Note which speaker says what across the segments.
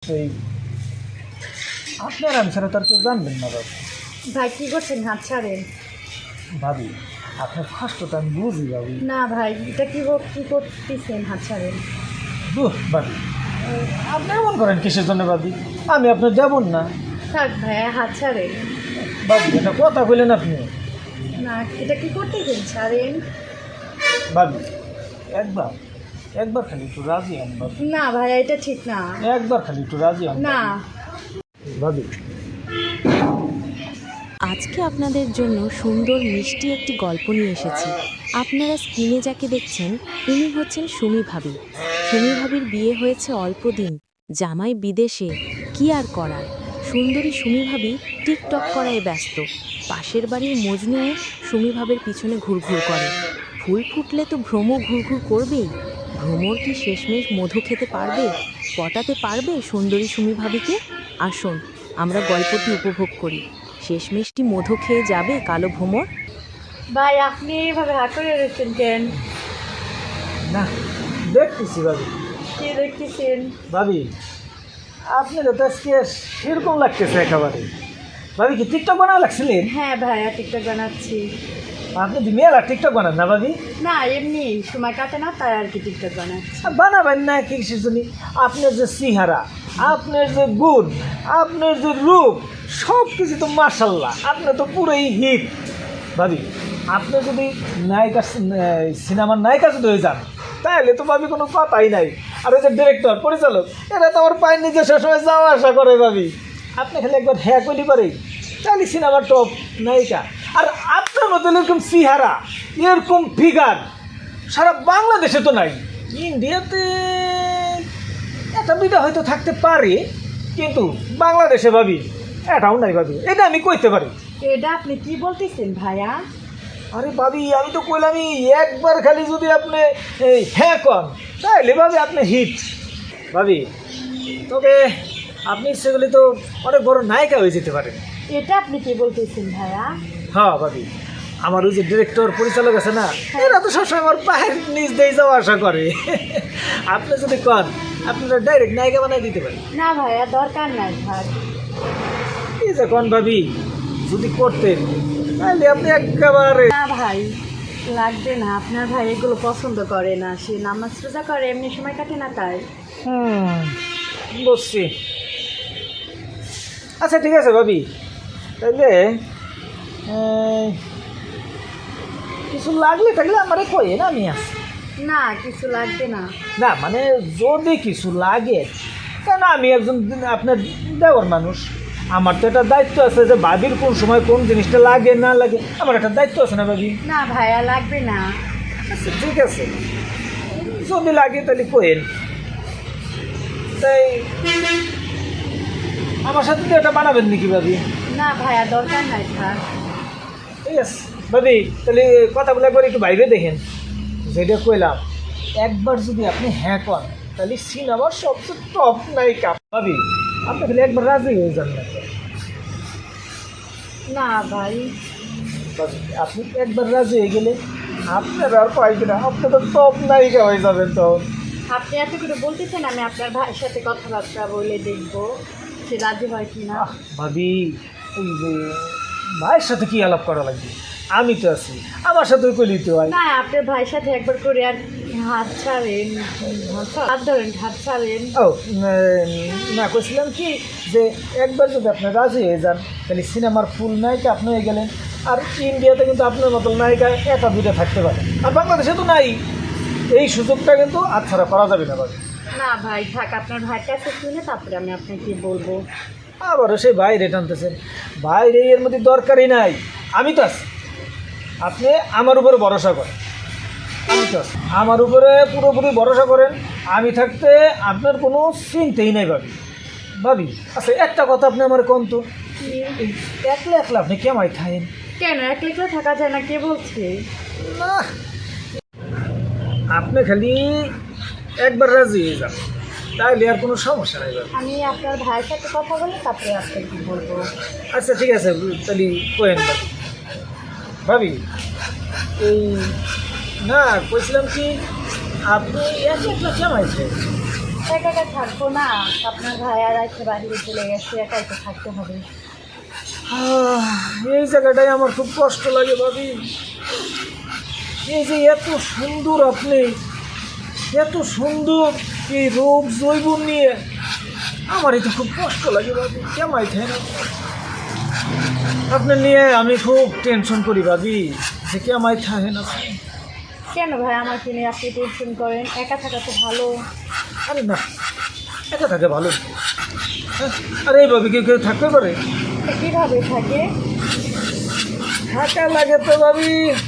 Speaker 1: এই আপনার আমি ছাড়া তো আর কেউ জানবেন না বাবু।
Speaker 2: ভাই কি করছেন? হাত ছাড়েন।
Speaker 1: ভাবি আপনার কষ্টটা আমি বুঝি ভাবি।
Speaker 2: না ভাই, এটা কি করতেছেন? হাত ছাড়েন।
Speaker 1: দুঃ ভাবি, আপনি এমন করেন কিসের জন্য ভাবি? আমি আপনার যাবন না
Speaker 2: থাক ভাইয়া, হাত ছাড়েন।
Speaker 1: ভাবি, এটা কথা বললেন আপনি।
Speaker 2: না, এটা কি করতেছেন? ছাড়েন।
Speaker 1: ভাবি একবার একবার খালি একটু রাজি হন ভাবি।
Speaker 2: না ভাইয়া, এটা ঠিক না।
Speaker 1: একবার খালি একটু রাজি হন
Speaker 2: না।
Speaker 1: ভাবি।
Speaker 3: আজকে আপনাদের জন্য সুন্দর মিষ্টি একটি গল্প নিয়ে এসেছি। আপনারা স্ক্রিনে যাকে দেখছেন ইনি হচ্ছেন সুমি ভাবি। সুমি ভাবির বিয়ে হয়েছে অল্প দিন, জামাই বিদেশে, কি আর করার। সুন্দরী সুমি ভাবি টিকটক করায় ব্যস্ত। পাশের বাড়ির মজনুও সুমি ভাবের পিছনে ঘুরঘুর করে। ফুল ফুটলে তো ভ্রম ঘুরঘুর করবেই। ভ্রমর কি শেষমেশ মধু খেতে পারবে, পটাতে পারবে সুন্দরী সুমি ভাবিকে? আসুন আমরা গল্পটি উপভোগ করি। শেষমেশটি মধু খেয়ে যাবে কালো ভ্রমর?
Speaker 2: ভাই, আপনি এইভাবে হাত করে রয়েছেন কেন?
Speaker 1: না, দেখতেছি ভাবি।
Speaker 2: কি দেখতেছেন?
Speaker 1: ভাবি আপনার তো আজকে সেরকম লাগতেছে একেবারে। ভাবি কি টিকটক বানাও লাগছিলেন?
Speaker 2: হ্যাঁ ভাইয়া, টিকটক বানাচ্ছি।
Speaker 1: আপনি দি মেলা টিকটক বানান না ভাবি?
Speaker 2: না, এমনি সময় কাটে না, তাই আর কি টিকটক বানাচ্ছি।
Speaker 1: বানাবেন না কিসের জন্য? আপনার যে চেহারা, আপনার যে গুণ, আপনার যে রূপ, সব কিছু তো মার্শাল্লাহ, আপনি তো পুরোই হিট। ভাবি আপনি যদি নায়িকা, সিনেমার নায়িকা যদি হয়ে যান, তাহলে তো ভাবি কোনো কথাই নাই। আর ওই যে ডিরেক্টর, পরিচালক, এরা তো আমার পায়ের নিচে সবসময় যাওয়া আসা করে ভাবি। আপনি খালি একবার হ্যাঁ করলে পারে, তাহলে সিনেমার টপ নায়িকা। আর আপনার মতো এরকম চেহারা, এরকম ফিগার সারা বাংলাদেশে তো নাই। ইন্ডিয়াতে একটা দুইটা হয়তো থাকতে পারে, কিন্তু বাংলাদেশে ভাবি এটাও নাই ভাবি। এটা আমি কইতে পারি।
Speaker 2: এটা আপনি কি বলতেছেন ভাইয়া?
Speaker 1: আরে ভাবি, আমি তো কইলামই একবার খালি যদি আপনি হ্যাঁ কন, তাহলে ভাবি আপনি হিট ভাবি। তবে আপনি সেগুলি তো অনেক বড় নায়িকা হয়ে যেতে পারেন।
Speaker 2: এটা আপনি কি বলতেছেন ভাইয়া?
Speaker 1: হ্যাঁ ভাবি, আমার ওই যে ডিরেক্টর, পরিচালক আছে না, এরা তো সবসময় আমার পায়ের নিচ দিয়ে যাওয়া আশা করে। আপনি যদি কন, আপনারা ডাইরেক্ট নায়িকা বানাই দিতে পারেন।
Speaker 2: না ভাইয়া, দরকার নাই ভাই।
Speaker 1: এই যে কন ভাবি, যদি করতেন তাহলে আপনি একেবারে।
Speaker 2: না ভাই, লাগবে না। আপনার ভাই এগুলো পছন্দ করে না, সে নামাজ রোজা করে, এমনি সময় কাটে না তাই।
Speaker 1: বুঝছি। আচ্ছা ঠিক আছে ভাবি, তাইলে কিছু লাগলে থাকলে আমারে কয়ে না, আমি আছি।
Speaker 2: না, কিছু লাগবে না।
Speaker 1: না মানে যদি কিছু লাগে, কেন আমি একজন আপনার দেওয়ার মানুষ, আমার তো একটা দায়িত্ব আছে যে ভাবির কোন সময় কোন জিনিসটা লাগে না লাগে, আমার একটা দায়িত্ব আছে না ভাবি?
Speaker 2: না ভাইয়া, লাগবে না।
Speaker 1: আচ্ছা ঠিক আছে, যদি লাগে তাহলে কোয়েন। তাই আমার সাথে তো এটা বানাবেন নাকি ভাবি?
Speaker 2: না ভাইয়া, দরকার নাই থাক।
Speaker 1: ঠিক আছে ভাবি, তাহলে কথাগুলো একবার একটু বাইরে দেখেন। যেটা কইলাম, একবার যদি আপনি হ্যাঁ করেন, তাহলে সিনেমার সবচেয়ে টপ নায়িকা ভাবি। আপনি খালি একবার রাজি হয়ে যান না
Speaker 2: না ভাই।
Speaker 1: ভাবি, আপনি একবার রাজি হয়ে গেলে আপনার আর পাইবে না, আপনি তো টপ নায়িকা হয়ে যাবেন তখন।
Speaker 2: আপনি এত করে বলতেছেন, আমি আপনার ভাইয়ের সাথে কথাবার্তা বলে দেখবো সে রাজি হয় কি না।
Speaker 1: ভাবি ওই যে ভাইয়ের সাথে কি আলাপ করা লাগবে? আমি তো আছি, আমার সাথে কইলি তো ভাই।
Speaker 2: না, আপনার ভাইয়ের সাথে একবার করে আর হাত ছাড়েন, হাত ধরেন, হাত ছাড়েন।
Speaker 1: ও না, কইছিলাম কি যে একবার যদি আপনি রাজি হয়ে যান, তাহলে সিনেমার ফুল নায়িকা আপনি হয়ে গেলেন। আর ইন্ডিয়াতে কিন্তু আপনার মতো নায়িকা একটা দুইটা থাকতে পারে, আর বাংলাদেশে তো নাই। এই সুযোগটা কিন্তু আচ্ছাড়া করা যাবে না ভাবি।
Speaker 2: না ভাই থাক, আপনার ভাইয়ের কাছে শুনে তারপরে আমি আপনাকে বলবো।
Speaker 1: আবারও সেই বাইরে টানতেছেন। বাইরে এর মধ্যে দরকারই নাই, আমি তো আছি। আপনি আমার উপরে ভরসা করেন, আমি তো আছি। আমার উপরে পুরোপুরি ভরসা করেন। আমি থাকতে আপনার কোনো চিন্তাই নাই ভাবি। ভাবি আচ্ছা একটা কথা আপনি আমার কোন তো, এই একলা একলা আপনি কেমাই খায়েন?
Speaker 2: কেন একলা একলা থাকা যায় না? কে বলছে?
Speaker 1: না, আপনি খালি একবার রাজি হয়ে যান, তাইলে আর কোনো সমস্যা নাই ভাবি।
Speaker 2: আমি আপনার ভাইয়ের সাথে কথা বলে তারপরে আপনাকে বলবো।
Speaker 1: আচ্ছা ঠিক আছে, তাহলে কোয়েন ভাবি। ভাবি এই না, কইছিলাম কি, আপনি একলা একলা কেমাই খায়েন?
Speaker 2: একা একা থাকবো না, আপনার ভাই আর একটা বাড়িতে চলে গেছে, একা একা থাকতে হবে।
Speaker 1: এই জায়গাটায় আমার খুব কষ্ট লাগে ভাবি। এই যে এত সুন্দর আপনি, এত সুন্দর এই রূপ জৈবন নিয়ে আমার এটা খুব কষ্ট লাগে ভাবি। কেমাই থাকে না আপনি নিয়ে আমি খুব টেনশন করি ভাবি, যে কেমাই থাকে না।
Speaker 2: কেন ভাই আমাকে নিয়ে আপনি টেনশন করেন? একা থাকা তো ভালো।
Speaker 1: আরে না, একা থাকে ভালো। হ্যাঁ, আরে এই ভাবি কেউ কেউ থাকতে পারে?
Speaker 2: কীভাবে থাকে?
Speaker 1: থাকা লাগে তো ভাবি,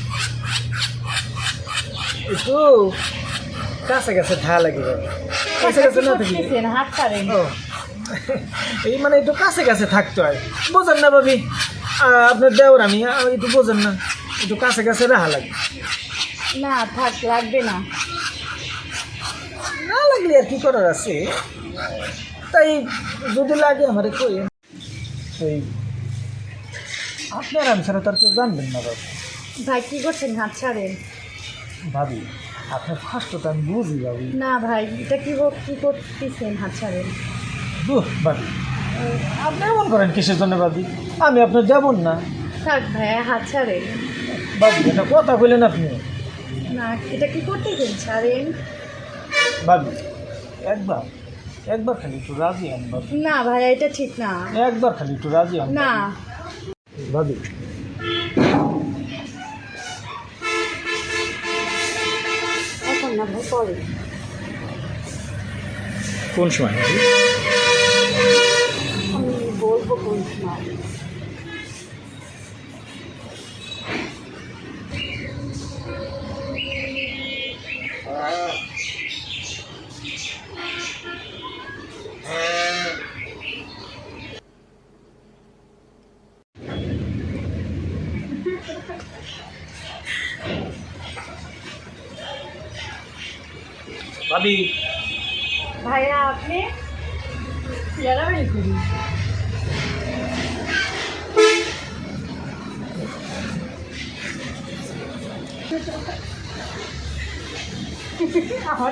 Speaker 1: একটু কাছে কাছে থাকা লাগে ভাবি। কাছে কাছে না থাকি
Speaker 2: করতেছেন, হাত ছাড়েন।
Speaker 1: ও এই মানে একটু কাছে কাছে থাকতে হয়, বোঝেন না ভাবি? আপনার দেওর আমি একটু বোঝেন না, একটু কাছে কাছে রাখা লাগে।
Speaker 2: না থাক, লাগবে না।
Speaker 1: না লাগলে আর কি করার আছে, তাই যদি লাগে আমার কই। এই আপনার আমি ছাড়া তার কেউ জানবেন না ভাবি।
Speaker 2: ভাই কী করছেন? হাত ছাড়েন।
Speaker 1: ভাবি আপনার কষ্টটা আমি বুঝি ভাবি।
Speaker 2: না ভাই, এটা কী করতেছেন? হাত ছাড়েন।
Speaker 1: দুঃখ ভাবি, আপনি এমন করেন কিসের জন্য ভাবি? আমি আপনার যাবন না
Speaker 2: থাক ভাইয়া, হাত ছাড়েন।
Speaker 1: ভাবি, এটা কথা বললেন আপনি।
Speaker 2: না, এটা কি করতেছেন? ছাড়েন।
Speaker 1: ভাবি একবার একবার খালি একটু রাজি হন ভাবি,
Speaker 2: না ভাইয়া, এটা ঠিক না।
Speaker 1: একবার খালি একটু রাজি হন
Speaker 2: না
Speaker 1: ভাবি।
Speaker 2: এখন না ভাই, পরে।
Speaker 1: কোন সময় ভাবি?
Speaker 2: আমি বলবো কোন সময়।
Speaker 1: ভাবি
Speaker 2: ভাইয়া আপনি চেয়ারাবাড়ি করি। আমার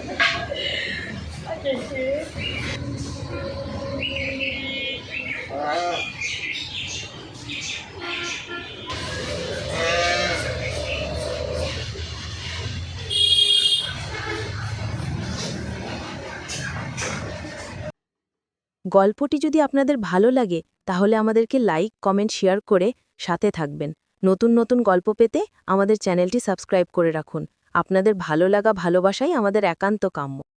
Speaker 3: গল্পটি যদি আপনাদের ভালো লাগে তাহলে আমাদেরকে লাইক, কমেন্ট, শেয়ার করে সাথে থাকবেন। নতুন নতুন গল্প পেতে আমাদের চ্যানেলটি সাবস্ক্রাইব করে রাখুন। আপনাদের ভালো লাগা, ভালোবাসাই আমাদের একান্ত কাম্য।